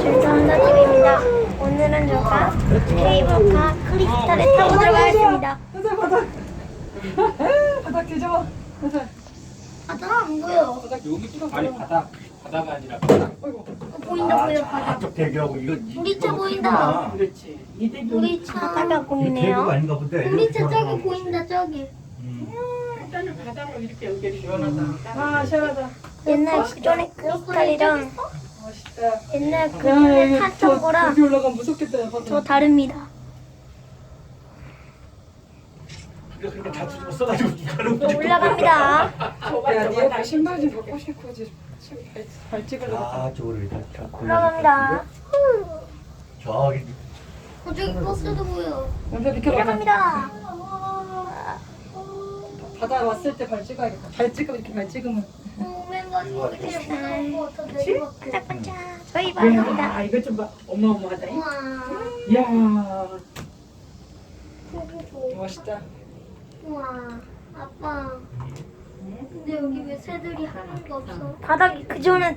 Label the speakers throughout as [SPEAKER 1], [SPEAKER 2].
[SPEAKER 1] 준서한다님입니다. 오늘은 제가 케이블카 크리스탈에 타보도록 하겠습니다.
[SPEAKER 2] 바닥 뒤져봐.
[SPEAKER 1] 바다 안 보여.
[SPEAKER 3] 여기 아니 바다가 아니라 바닥.
[SPEAKER 1] 보인다 보여 바다.
[SPEAKER 4] 저쪽 대교하고 이거
[SPEAKER 1] 우리 차 보인다.
[SPEAKER 2] 그렇지.
[SPEAKER 1] 우리 차 바다가
[SPEAKER 4] 이거 대교가
[SPEAKER 1] 보이네요.
[SPEAKER 4] 아닌가 본데.
[SPEAKER 1] 우리 차 저기 보인다 저기.
[SPEAKER 2] 일단은 바닥으로 이렇게 연결이 시원하다. 아 시원하다.
[SPEAKER 1] 옛날 그전에 크리스탈이랑
[SPEAKER 2] 멋있다.
[SPEAKER 1] 옛날 그전에 탔던 거랑
[SPEAKER 2] 여기 올라가면 무섭겠다.
[SPEAKER 1] 저 다릅니다.
[SPEAKER 4] 이거 그렇게 다 뒤집어 써가지고 누가는
[SPEAKER 1] 저 올라갑니다.
[SPEAKER 2] 야, 니가 신발 좀 갖고 싶고 발 찍으려고.
[SPEAKER 4] 아 저거를 일단
[SPEAKER 1] 올라갑니다.
[SPEAKER 4] 저기
[SPEAKER 1] 저기 버스도 보여.
[SPEAKER 2] 먼저 비켜봐.
[SPEAKER 1] 올라갑니다.
[SPEAKER 2] 바다 왔을 때 발 찍어야겠다. 발 찍으면 이렇게 발 찍으면.
[SPEAKER 1] 반짝반짝 저희 바다입니다.
[SPEAKER 2] 아 이거 좀 봐. 어마어마하다.
[SPEAKER 1] 우와.
[SPEAKER 2] 이야
[SPEAKER 1] 저기
[SPEAKER 2] 멋있다.
[SPEAKER 1] 우와, 아빠. 근데 여기 왜 새들이 하나도 없어? 바닥이 그 전에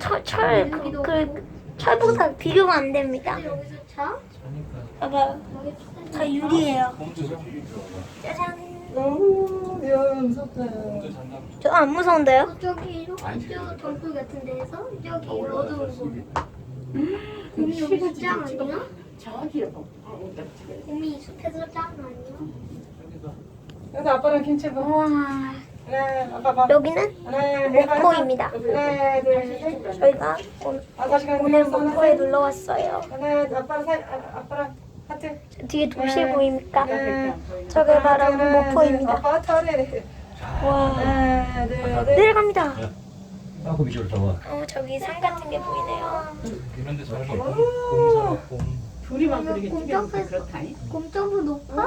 [SPEAKER 1] 철보다 비교가 안 됩니다. 여기서 차? 봐봐, 다 유리예요. 짜잔.
[SPEAKER 2] 오, 야 무섭다.
[SPEAKER 1] 저 안 무서운데요? 저기 저 돌돌 같은 데에서 저기 어두운 거. 곰이 여기서 짱 아니야?
[SPEAKER 2] 저기요.
[SPEAKER 1] 곰이 이 숲에서 짱 아니야?
[SPEAKER 2] 여기서 아빠랑 킹체 봐.
[SPEAKER 1] 우와.
[SPEAKER 2] 하나, 아빠 봐.
[SPEAKER 1] 여기는
[SPEAKER 2] 하나,
[SPEAKER 1] 목포입니다.
[SPEAKER 2] 하나, 둘, 셋.
[SPEAKER 1] 저희가
[SPEAKER 2] 다시 가는
[SPEAKER 1] 오늘
[SPEAKER 2] 거야.
[SPEAKER 1] 목포에 놀러 왔어요.
[SPEAKER 2] 하나, 아빠랑 하트.
[SPEAKER 1] 저 뒤에 도시 보입니까? 저게 바로 목포입니다.
[SPEAKER 2] 아빠 털에.
[SPEAKER 1] 와.
[SPEAKER 2] 하나, 둘, 셋.
[SPEAKER 1] 내려갑니다.
[SPEAKER 4] 하고 미쳐를 타와.
[SPEAKER 1] 저기 산 같은 게 보이네요.
[SPEAKER 3] 이런데 저렇게 곰사라 곰.
[SPEAKER 2] 둘이만 그렇게
[SPEAKER 1] 곰점프
[SPEAKER 2] 찍으면 그렇다니.
[SPEAKER 1] 곰점프 높아?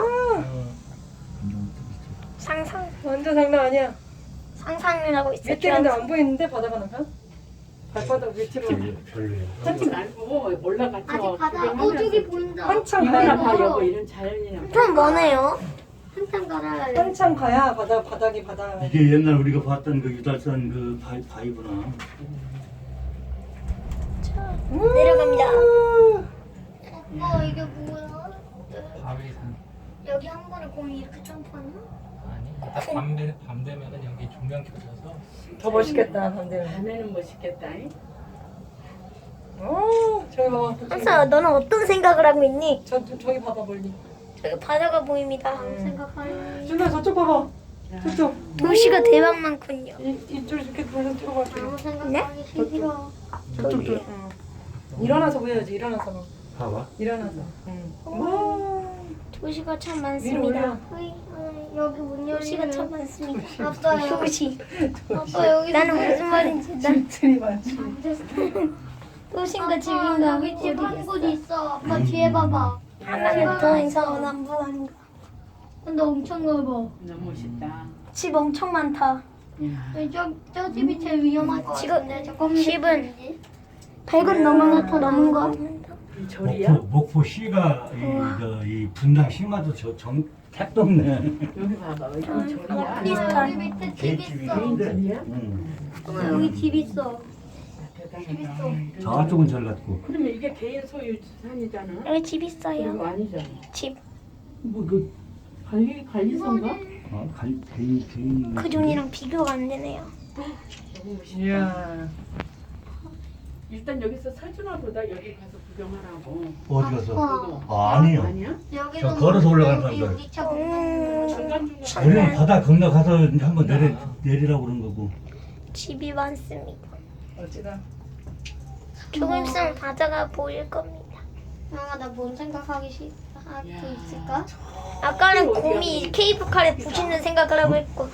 [SPEAKER 1] 상상
[SPEAKER 2] 완전 장난 아니야.
[SPEAKER 1] 상상을 하고 있어요.
[SPEAKER 2] 밑에 근데 안 보이는데 바다가 나면? 발바닥 밑으로.
[SPEAKER 4] 별로예요.
[SPEAKER 5] 하지 말고 올라가서
[SPEAKER 1] 아직 바다.
[SPEAKER 5] 구경하면서
[SPEAKER 1] 저기 보인다.
[SPEAKER 2] 한참
[SPEAKER 5] 이거나
[SPEAKER 2] 가야
[SPEAKER 5] 봐 여보 이런 자연이나
[SPEAKER 1] 좀 머네요. 한참 가라.
[SPEAKER 2] 한참 가야 바닥이 바다.
[SPEAKER 4] 이게 옛날 우리가 봤던 그 유달산 그 바위구나.
[SPEAKER 1] 내려갑니다. 이게 뭐야?
[SPEAKER 3] 바위산.
[SPEAKER 1] 여기 한 번에 곰이 이렇게 점프하나?
[SPEAKER 3] 아니. 밤 되면은 여기 조명 켜져서
[SPEAKER 2] 더 멋있겠다 반대로.
[SPEAKER 5] 밤에는 멋있겠다.
[SPEAKER 2] 오, 저기 봐봐.
[SPEAKER 1] 한사 너는 어떤 생각을 하고 있니?
[SPEAKER 2] 저기 봐봐 멀리.
[SPEAKER 1] 저기 바다가 보입니다. 생각하니.
[SPEAKER 2] 준아 저쪽 봐봐. 저쪽.
[SPEAKER 1] 도시가 대박 많군요.
[SPEAKER 2] 이쪽 이렇게 돌려 찍어봐.
[SPEAKER 1] 네?
[SPEAKER 2] 저쪽. 응. 일어나서 보여야지. 일어나서.
[SPEAKER 4] 봐봐.
[SPEAKER 2] 일어나서. 응. 와.
[SPEAKER 1] 도시가 참
[SPEAKER 2] 위로
[SPEAKER 1] 많습니다. 여기 문 도시가 참 많습니다. 아빠 도시. 아빠 여기 나는 무슨 말인지 난
[SPEAKER 2] 집들이 많지.
[SPEAKER 1] 도시인가 집인가 여기 집 한 곳 있어. 아빠 뒤에 봐봐. 하나는 더 이상은 안 보인가. 근데 엄청 넓어.
[SPEAKER 5] 너무 멋있다.
[SPEAKER 1] 집 엄청 많다.
[SPEAKER 5] 야.
[SPEAKER 1] 저 집이 제일 위험할 것 같은데. 집은 100은 넘은 거.
[SPEAKER 5] 이 절이야?
[SPEAKER 4] 목포시가 이 분당 시마도 정 택도 없네.
[SPEAKER 5] 여기 봐봐. 여기 절이야?
[SPEAKER 1] 크리스탈.
[SPEAKER 5] 야,
[SPEAKER 1] 밑에 집
[SPEAKER 4] 개집이
[SPEAKER 1] 있어.
[SPEAKER 4] 있는데.
[SPEAKER 5] 절이야?
[SPEAKER 1] 여기 집 있어.
[SPEAKER 5] 대단하다.
[SPEAKER 4] 저쪽은 절 같고.
[SPEAKER 5] 그러면 이게 개인 소유 산이잖아?
[SPEAKER 1] 여기 집
[SPEAKER 5] 이거
[SPEAKER 1] 있어요.
[SPEAKER 5] 아니잖아.
[SPEAKER 1] 집.
[SPEAKER 4] 뭐그
[SPEAKER 5] 관리소인가?
[SPEAKER 4] 개인.
[SPEAKER 1] 그 존이랑 비교가 안 되네요.
[SPEAKER 5] 너무 멋있다.
[SPEAKER 2] 이야.
[SPEAKER 5] 일단 여기서 사주나 보다 여기 가서 구경하라고.
[SPEAKER 4] 어디 가서?
[SPEAKER 1] 어.
[SPEAKER 4] 아니요.
[SPEAKER 5] 아니야?
[SPEAKER 4] 저 걸어서 올라가는 사람들.
[SPEAKER 1] 우리 차 보는
[SPEAKER 5] 중간중간.
[SPEAKER 4] 우리는 바다 건너가서 한번 내리라고 그런 거고.
[SPEAKER 1] 집이 많습니다.
[SPEAKER 2] 어찌다.
[SPEAKER 1] 조금 있으면 바다가 보일 겁니다. 엄마 나 뭔 생각하고 있을까? 아까는 곰이 케이블카에 부시는 생각을 하고 있고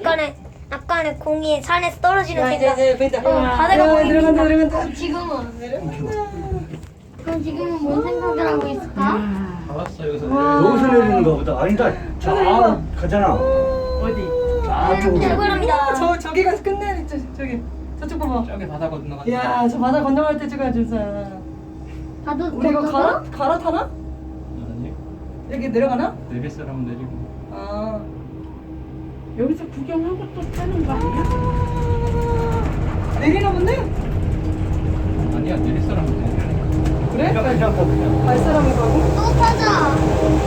[SPEAKER 1] 아까는 공이 산에서 떨어지는
[SPEAKER 2] 야
[SPEAKER 1] 생각.
[SPEAKER 2] 이제 보인다.
[SPEAKER 1] 바다가
[SPEAKER 2] 야,
[SPEAKER 1] 보입니다.
[SPEAKER 2] 내려간다.
[SPEAKER 1] 지금은 그럼 지금은 뭔 생각을 하고 있을까?
[SPEAKER 3] 나왔어 여기서.
[SPEAKER 4] 여기서 내리는 거보다 아니다. 저 가잖아.
[SPEAKER 5] 어디?
[SPEAKER 4] 저쪽으로.
[SPEAKER 1] 출발합니다.
[SPEAKER 2] 저기 가서 끝내. 저기 저쪽 봐봐.
[SPEAKER 3] 저기 바다 건너가.
[SPEAKER 2] 야, 저 바다 건너갈 때 찍어야 준사.
[SPEAKER 1] 바다
[SPEAKER 2] 우리 이거 갈아타나?
[SPEAKER 3] 아니.
[SPEAKER 2] 여기 내려가나?
[SPEAKER 3] 내릴 사람은 내리고.
[SPEAKER 2] 아.
[SPEAKER 5] 여기서 구경하고 또 타는 거 아니야?
[SPEAKER 2] 내리나 본데?
[SPEAKER 3] 아니야 내릴 사람은 내리라니까.
[SPEAKER 2] 그래?
[SPEAKER 4] 그냥 가 그냥.
[SPEAKER 2] 발사람을 가고.
[SPEAKER 1] 또 타자.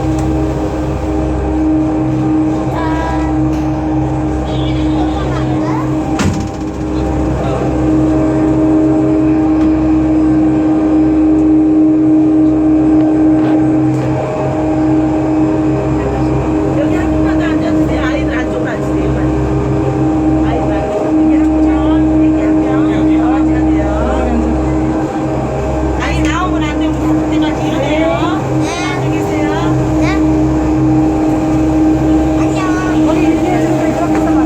[SPEAKER 6] 여기 한 분만 더 앉아주세요. 아이들 안쪽으로 앉으세요. 아이들 말고 여기 한 분, 여기 한 명. 앉아야 돼요. 아이 나오면 안 되고 다섯 대까지 해야 돼요. 앉아 계세요.
[SPEAKER 1] 네? 안녕.
[SPEAKER 2] 머리 이렇게 해주고 이렇게 해봐.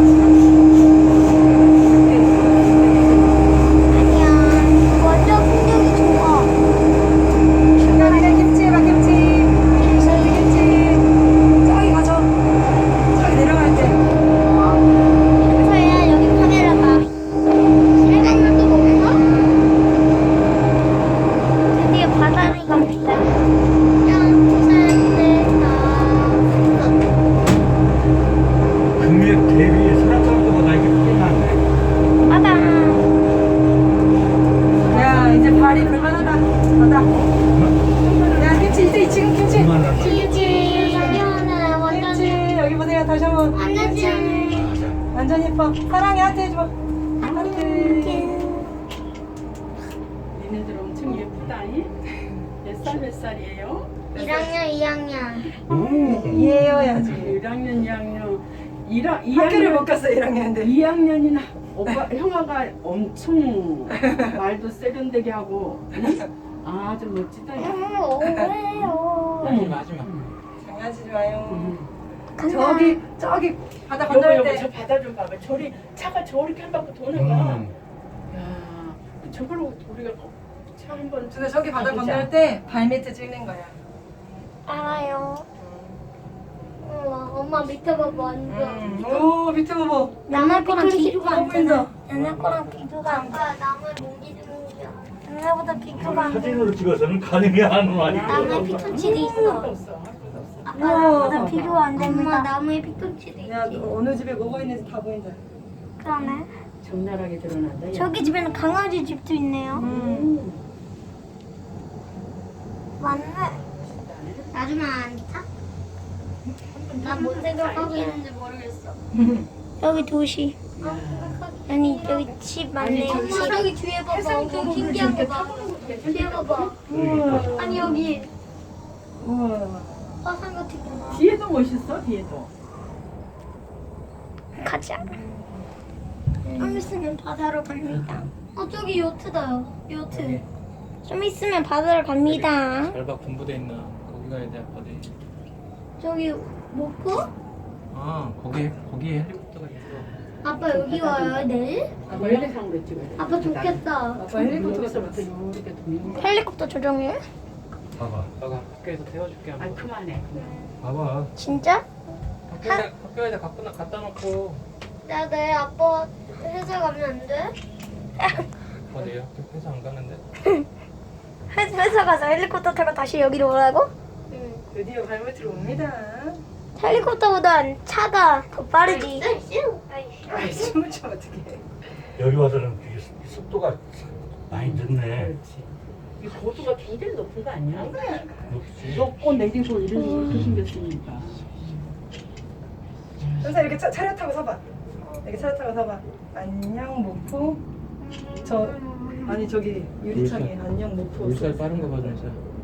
[SPEAKER 1] 안녕. 완전 풍경이 좋아.
[SPEAKER 2] 중간에 김치 해봐, 김치. 김치. 저기 가죠. 저기 내려갈 때.
[SPEAKER 1] 소야 여기 카메라 봐. 살간맛도 먹어? 드디어 바다를 갑니다.
[SPEAKER 4] 금액 대비 소라탕보다 이게 크게 낫네.
[SPEAKER 1] 바다.
[SPEAKER 2] 야, 이제 발이 불만하다. 가자. 야, 김치, 이제 지금 김치.
[SPEAKER 4] 그만하라.
[SPEAKER 1] 치즈 시원해. 완전
[SPEAKER 2] 김치. 여기 보세요. 다시 한번.
[SPEAKER 1] 완전 시원해.
[SPEAKER 2] 완전 예뻐. 사랑해, 하트 해줘. 하트.
[SPEAKER 5] 니네들 엄청 예쁘다잉. 몇 살이에요?
[SPEAKER 1] 1학년, 2학년.
[SPEAKER 4] 오.
[SPEAKER 2] 이해해야지.
[SPEAKER 5] 1학년, 2학년.
[SPEAKER 2] 학교를 못 갔어, 1학년인데.
[SPEAKER 5] 2학년이나 오빠 형아가 엄청 말도 세련되게 하고 아주 멋지다.
[SPEAKER 1] 왜요?
[SPEAKER 3] 아니 마지막.
[SPEAKER 2] 장난치지 마요.
[SPEAKER 1] 간다.
[SPEAKER 2] 저기 바다
[SPEAKER 5] 여보
[SPEAKER 2] 건널
[SPEAKER 5] 여보
[SPEAKER 2] 때.
[SPEAKER 5] 저 바다 좀 봐봐. 저리 차가 저렇게 한 바퀴 도는 거야. 야 저걸 우리가 차 한번.
[SPEAKER 2] 근데 저기 바다 건널 때 발밑에 찍는 거야.
[SPEAKER 1] 알아요. 우와, 엄마 밑에 봐봐, 완전.
[SPEAKER 2] 오, 밑에 봐봐.
[SPEAKER 1] 나무 거랑 비교가 안
[SPEAKER 2] 보인다.
[SPEAKER 1] 돼. 옛날 거랑 비교가 안 돼. 나무에 몽기 주는겨. 옛날보다 비교가 안 돼.
[SPEAKER 4] 사진으로 찍어서는 가능이 안 와.
[SPEAKER 1] 나무에 피톤치드 있어.
[SPEAKER 5] 없어.
[SPEAKER 1] 아빠, 나보다 비교가 안 됩니다. 엄마, 나무에 피톤치드
[SPEAKER 2] 야,
[SPEAKER 1] 있지.
[SPEAKER 2] 어느 집에 뭐가 있는지 다 보인다.
[SPEAKER 1] 그러네.
[SPEAKER 5] 적나라하게 드러난다. 야.
[SPEAKER 1] 저기 집에는 강아지 집도 있네요. 맞네. 나중에 안 타? 난 뭔 생각하고 있는지 모르겠어. 여기 도시. 아니 여기 집 맞네. 엄마 저기 뒤에 봐봐. 엄청 신기한 거 봐. 뒤에 봐봐. 아니 여기
[SPEAKER 2] 우와.
[SPEAKER 1] 화산 같은 거 봐.
[SPEAKER 5] 뒤에도 멋있어. 뒤에도.
[SPEAKER 1] 가자. 좀 있으면 바다로 갑니다. 저기 요트다. 요트. 좀 있으면 바다로 갑니다.
[SPEAKER 3] 잘 봐 군부대 있나? 거기 가야 돼 아빠들.
[SPEAKER 1] 저기 목포?
[SPEAKER 3] 아 거기에 헬리콥터가 있어.
[SPEAKER 1] 아빠 여기 와요 내일?
[SPEAKER 5] 아빠 헬리상으로 찍어야 돼.
[SPEAKER 1] 아빠 좋겠다.
[SPEAKER 2] 아빠 헬리콥터
[SPEAKER 5] 여기서부터 이렇게 도는 거.
[SPEAKER 1] 헬리콥터 조종해?
[SPEAKER 4] 봐봐.
[SPEAKER 3] 아빠가 학교에서 태워줄게.
[SPEAKER 5] 아
[SPEAKER 3] 한번.
[SPEAKER 5] 그만해.
[SPEAKER 4] 봐봐.
[SPEAKER 1] 진짜?
[SPEAKER 3] 학교에다 갖다 놓고.
[SPEAKER 1] 나 내일 아빠 회사 가면 안 돼?
[SPEAKER 3] 어디요? 회사 안 가는데.
[SPEAKER 1] 회사 가서 헬리콥터 타고 다시 여기로 오라고? 응.
[SPEAKER 2] 드디어 발밑으로 옵니다.
[SPEAKER 1] 헬리콥터보다 차가 더 빠르지.
[SPEAKER 2] 아이, 춤을 춰 어떡해.
[SPEAKER 4] 여기 와서는 이게 속도가 많이 늦네.
[SPEAKER 5] 이 고도가 굉장히 높은 거 아니야?
[SPEAKER 4] 높지.
[SPEAKER 5] 높고 내리고 이렇게 생겼으니까.
[SPEAKER 2] 현사 이렇게 차려 타고 서봐. 이렇게 차려 타고 서봐. 안녕 목포. 아니 저기 유리창에 안녕 목포.
[SPEAKER 3] 물살 빠른 거 봐 진짜.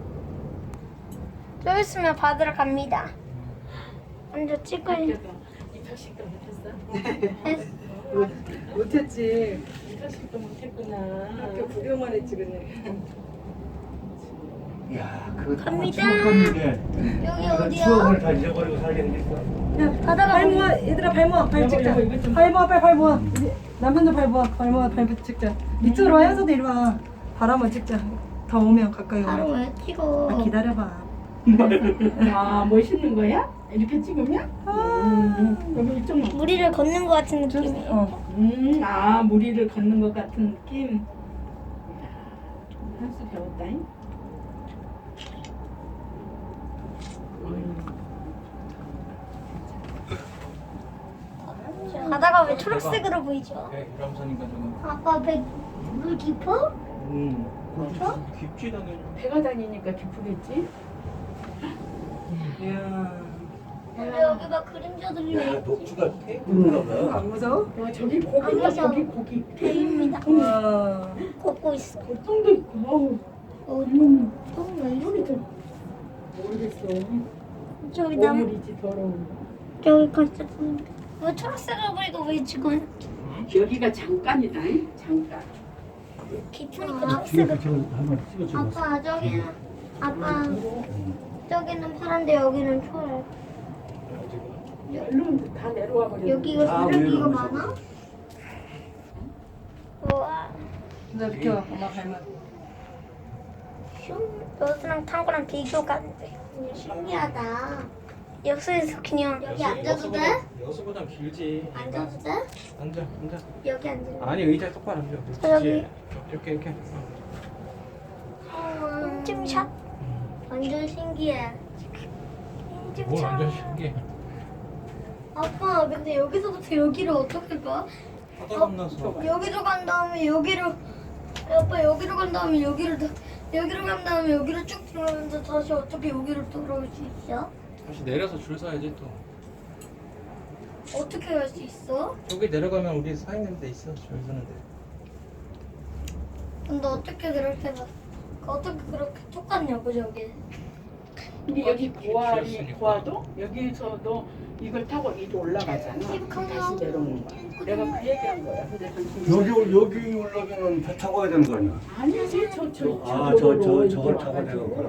[SPEAKER 1] 좀 있으면 받으러 갑니다. 먼저 찍고
[SPEAKER 5] 이 턱식도 못했어?
[SPEAKER 2] 못했지.
[SPEAKER 5] 이 턱식도 못했구나.
[SPEAKER 2] 학교 구경만 했지 그냥.
[SPEAKER 4] 야, 그거 다
[SPEAKER 1] 갑니다.
[SPEAKER 4] 추억인데.
[SPEAKER 1] 여기
[SPEAKER 4] 내가
[SPEAKER 1] 어디야?
[SPEAKER 4] 추억을 다 잊어버리고 살겠겠어.
[SPEAKER 2] 야
[SPEAKER 1] 바다가
[SPEAKER 2] 발 모아 얘들아 발 모아 발 찍자.
[SPEAKER 5] 여보, 이거 좀-
[SPEAKER 2] 발 모아 빨리 발 모아. 남편도 발 모아 발 모아 발 찍자. 이쪽으로 와 현서도 이리 와. 발 한번 찍자. 더 오면 가까이
[SPEAKER 1] 바로
[SPEAKER 2] 오면.
[SPEAKER 1] 왜 찍어?
[SPEAKER 2] 아, 기다려봐.
[SPEAKER 5] 아 멋있는 거야? 이렇게 찍으면? 여기 이쪽만.
[SPEAKER 1] 무리를 걷는 것 같은 느낌이에요.
[SPEAKER 5] 아 무리를 걷는 것 같은 느낌. 한수 배웠다잉.
[SPEAKER 1] 바다가 왜 초록색으로 보이죠?
[SPEAKER 3] 유람선인가 저거.
[SPEAKER 1] 아빠 배 물 깊어?
[SPEAKER 3] 깊지 당연히.
[SPEAKER 5] 배가 다니니까 기쁘겠지?
[SPEAKER 2] 이야.
[SPEAKER 1] 근데 여기 막 그림자들이
[SPEAKER 4] 야, 녹주가 떼구나 봐.
[SPEAKER 2] 안 무서워?
[SPEAKER 5] 와 저기 고기다
[SPEAKER 1] 무서워.
[SPEAKER 5] 저기 고기.
[SPEAKER 1] 배입니다.
[SPEAKER 2] 와.
[SPEAKER 1] 걷고 있어.
[SPEAKER 5] 고통도 있고. 어우. 이놈 똥나 이놈이 좀 모르겠어.
[SPEAKER 1] 저기 나무
[SPEAKER 5] 오물이지 더러운.
[SPEAKER 1] 저기 가짜 왜 초록색을 보이고 왜 지금
[SPEAKER 5] 여기가 잠깐이다. 잉? 잠깐.
[SPEAKER 1] 깊으니까
[SPEAKER 4] 뒤에
[SPEAKER 1] 초록색을.
[SPEAKER 4] 그저 한번 찍어줘.
[SPEAKER 1] 아빠 저기는 아빠 저기는 파란데 여기는 초록.
[SPEAKER 5] 얼른 다 내려와 버려.
[SPEAKER 1] 여기가
[SPEAKER 4] 아,
[SPEAKER 1] 쓰레기가
[SPEAKER 4] 왜
[SPEAKER 1] 많아? 우와.
[SPEAKER 2] 나 비켜. 엄마 발만.
[SPEAKER 1] 슝. 여수랑 탕구랑 비교가 안 돼. 신기하다. 여수에서 그냥 여기 앉아도 돼?
[SPEAKER 3] 여수보단 길지.
[SPEAKER 1] 앉아도 돼?
[SPEAKER 3] 앉아.
[SPEAKER 1] 여기 앉아.
[SPEAKER 3] 아니 의자 똑바로 앉아.
[SPEAKER 1] 저기.
[SPEAKER 3] 그렇지. 이렇게.
[SPEAKER 1] 인증샷. 완전 신기해.
[SPEAKER 3] 뭘 완전
[SPEAKER 1] 인증샷.
[SPEAKER 3] 신기해.
[SPEAKER 1] 아빠 근데 여기서부터 여기를 어떻게 가?
[SPEAKER 3] 하다 건너서.
[SPEAKER 1] 여기로 간 다음에 여기로 아빠 여기로 간 다음에 여기로 간 다음에 여기로 쭉 들어오면서 다시 어떻게 여기로 돌아올 수 있어?
[SPEAKER 3] 다시 내려서 줄 서야지 또.
[SPEAKER 1] 어떻게 갈 수 있어?
[SPEAKER 3] 저기 내려가면 우리 서 있는 데 있어. 줄 서는데.
[SPEAKER 1] 근데 어떻게 그렇게 똑같냐고 저기.
[SPEAKER 5] 근데 여기 고아리
[SPEAKER 3] 비었으니까.
[SPEAKER 5] 고아도 여기서도 이걸 타고 이리 올라가잖아. 다시 내려오는 거야. 내가 그 얘기한 거야. 근데 당신
[SPEAKER 4] 여기 올라가면 배 타고 가야 되는 거 아니야?
[SPEAKER 5] 아니지
[SPEAKER 4] 저걸 타고 내려가구나.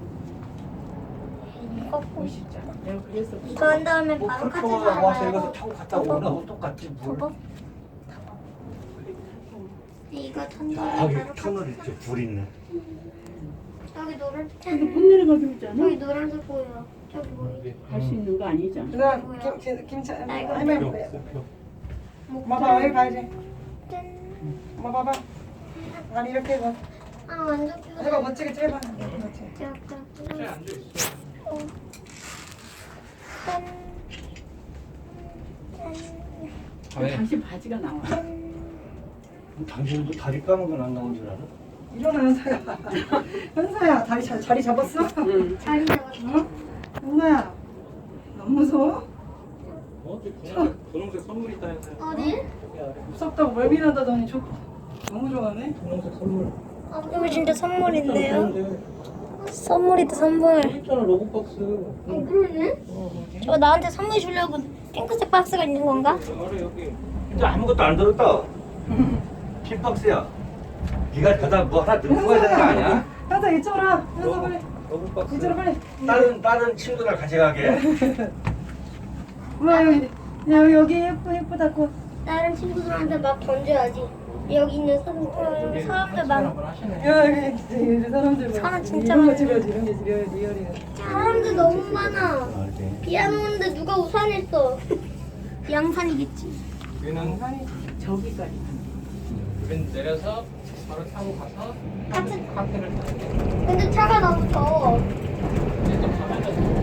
[SPEAKER 1] 걷고
[SPEAKER 5] 멋있잖아. 내가 그래서
[SPEAKER 1] 그런 다음에
[SPEAKER 4] 뭐
[SPEAKER 1] 바로
[SPEAKER 4] 그렇게
[SPEAKER 1] 카트
[SPEAKER 4] 와서
[SPEAKER 1] 가요.
[SPEAKER 4] 이거 타고 갔다 오나 똑같지 뭘.
[SPEAKER 1] 저거? 이거 탄
[SPEAKER 4] 아,
[SPEAKER 1] 다음에
[SPEAKER 4] 여기
[SPEAKER 1] 바로
[SPEAKER 4] 터널
[SPEAKER 1] 카트
[SPEAKER 4] 있지 불 있네.
[SPEAKER 1] 저기 노란
[SPEAKER 5] 여기 못 내려가기로 했잖아.
[SPEAKER 1] 저기 노란색 보여. 저기 보여.
[SPEAKER 5] 갈 수 있는 거 아니잖아.
[SPEAKER 2] 누나 김치
[SPEAKER 1] 아이고.
[SPEAKER 2] 할머니
[SPEAKER 3] 표.
[SPEAKER 2] 볼래?
[SPEAKER 3] 표.
[SPEAKER 2] 엄마 봐봐 여기 봐야지.
[SPEAKER 1] 짠.
[SPEAKER 2] 엄마 봐봐. 아니 이렇게 해봐.
[SPEAKER 1] 아 완전
[SPEAKER 2] 해봐
[SPEAKER 1] 편해.
[SPEAKER 2] 멋지게 해봐. 그렇지.
[SPEAKER 1] 약간
[SPEAKER 3] 쟤 앉아 있어.
[SPEAKER 1] 짠. 짠.
[SPEAKER 3] 왜?
[SPEAKER 5] 당신 바지가 나와.
[SPEAKER 4] 당신도 다리 까는 건 안 나온 줄 알아?
[SPEAKER 2] 일어나 현서야. 현서야 자리 잡았어?
[SPEAKER 5] 응.
[SPEAKER 1] 자리 잡았어.
[SPEAKER 2] 현서야. 너무 무서워?
[SPEAKER 3] 분홍색 선물 있다 해서.
[SPEAKER 1] 어디?
[SPEAKER 2] 무섭다고 멀미난다더니 너무 좋아하네.
[SPEAKER 3] 분홍색 선물.
[SPEAKER 1] 이거 진짜 선물인데요? 선물이다 선물.
[SPEAKER 3] 있잖아 로고박스.
[SPEAKER 1] 그러네? 저 나한테 선물 주려고 핑크색 박스가 있는 건가?
[SPEAKER 3] 아래 여기.
[SPEAKER 4] 진짜 아무것도 안 들었다. 핀박스야. 네가 가다 뭐 하나 들고 가야 되는 거 아니야?
[SPEAKER 2] 현서 이쪽으로 와. 현서 빨리.
[SPEAKER 3] 로고박스.
[SPEAKER 2] 이쪽으로 빨리.
[SPEAKER 4] 다른 친구들 가져가게.
[SPEAKER 2] 엄마 여기 예쁘다고.
[SPEAKER 1] 다른 친구들한테 막 던져야지. 여기 있는 사람들 많아.
[SPEAKER 2] 야 여기 진짜 사람들
[SPEAKER 1] 사람 진짜
[SPEAKER 2] 이런 거
[SPEAKER 1] 많아.
[SPEAKER 2] 지려야지 이런 게 지려야지 리얼이야.
[SPEAKER 1] 사람들 너무 많아.
[SPEAKER 4] 아, 네.
[SPEAKER 1] 비안 오는데 누가 우산 했어? 양산이겠지.
[SPEAKER 3] 우리는
[SPEAKER 5] 저기까지.
[SPEAKER 3] 우린 내려서 바로 타고 가서 카페를 타야 돼.
[SPEAKER 1] 근데 차가 너무 더워.
[SPEAKER 3] 이제 또 가면은